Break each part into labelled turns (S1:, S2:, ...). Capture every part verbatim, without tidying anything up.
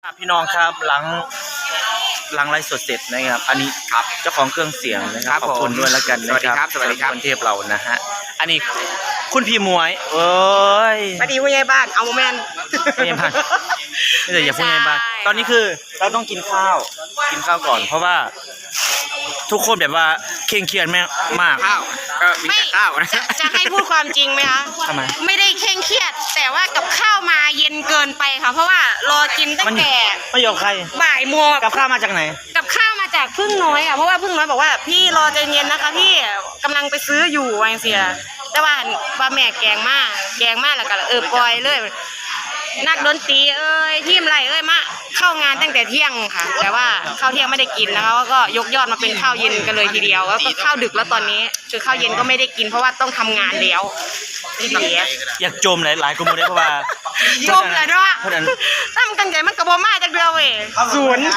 S1: พี่น้องครับหลังหลังไลฟ์สดเสร็จนะครับอันนี้ครับเจ้าของเครื่องเสียงนะครับขอบคุณด้วยแล้วกันนะครับสวัสดีครับคนเทพเรานะฮะอันนี้คุณพี่มวยเอ้ย
S2: สวัสดีผู้ใหญ่บ้านเอาแมน
S1: ผู้ใหญ่บ้านไม่ใช่อย่าผู้ใหญ่บ้านตอนนี้คือเราต้องกินข้าวกินข้าวก่อนเพราะว่าทุกคนแบบว่าเคร่งเครียดแม่มาก
S2: ข้าวก็มีแต่ข้าวนะจะให้พูดความจริงไหมคะ
S1: ทำไม
S2: ไม่ได้เคร่งเครียดแต่ว่ากับข้าวมาเย็นเกินไปค่ะเพราะว่ารอกินตั้งแต่
S1: ไม่ยอมใคร
S2: บ่ายโมง
S1: กับข้าวมาจากไหน
S2: กับข้าวมาจากพึ่งน้อยอ่ะเพราะว่าพึ่งน้อยบอกว่าพี่รอใจเย็นนะคะพี่กำลังไปซื้ออยู่วางเสียแต่ว่าว่าแม่แกงมากแกงมากแล้วก็เออปล่อยเลยนักดนตรีเอ้ยทีมไรเอ้ยมาเข้างานตั้งแต่เที่ยงค่ะแต่ว่าข้าวเที่ยงไม่ได้กินนะคะก็ยกยอดมาเป็นข้าวเย็นกันเลยทีเดียวแล้วก็ข้าวดึกแล้วตอนนี้คือข้าวเย็นก็ไม่ได้กินเพราะว่าต้องทำงานแล้วนี่ดี
S1: อยากจมหลายหลายคนเลยเพราะว่า
S2: จมเลยเนาะตั้งกันใจมันกระบอกมาจากเดียวเว้ยศูนย์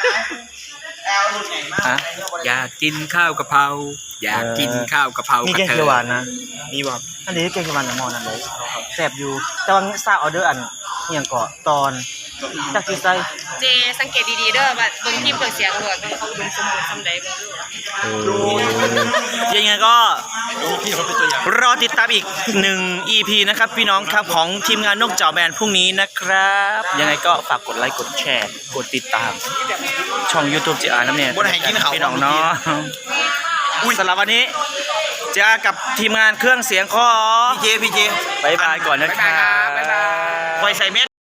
S3: อยากกินข้าวกะเพราอยากกินข้าวกะเพรา
S1: มี
S3: มี
S1: แกงเขียวหวานนะ
S3: มีบ่
S1: อันนี้แกงเขียวหวานอย่างมอนั่นเลยแซ่บอยู่แต่ว่าซาออเดอร์อันอย่างเกาะตอนจากที่ไซ
S2: เจสังเกตดีๆเด้อว่าเบิ่งทีมเครื่องเสียงเด้อเขาดุมสมบูรณ์สำใดเบิ่ง
S1: ดูยังไงก็รอติดตามอีกหนึ่ง อี พี นะครับพี่น้องครับของทีมงานนกเจ้าแบนพรุ่งนี้นะครับยังไงก็ฝากกดไลค์กดแชร์กดติดตามช่อง YouTube จีอาร์น้ำเนี่ยพี่น้องเนาะสำหรับวันนี้เจอกับทีมงานเครื่องเสียงของ
S3: พี่เจพี่เจ
S1: บายบายก่อนนะครับ
S3: บ๊ายบายครับบ๊ายบาย
S1: คอยใส่เม็ด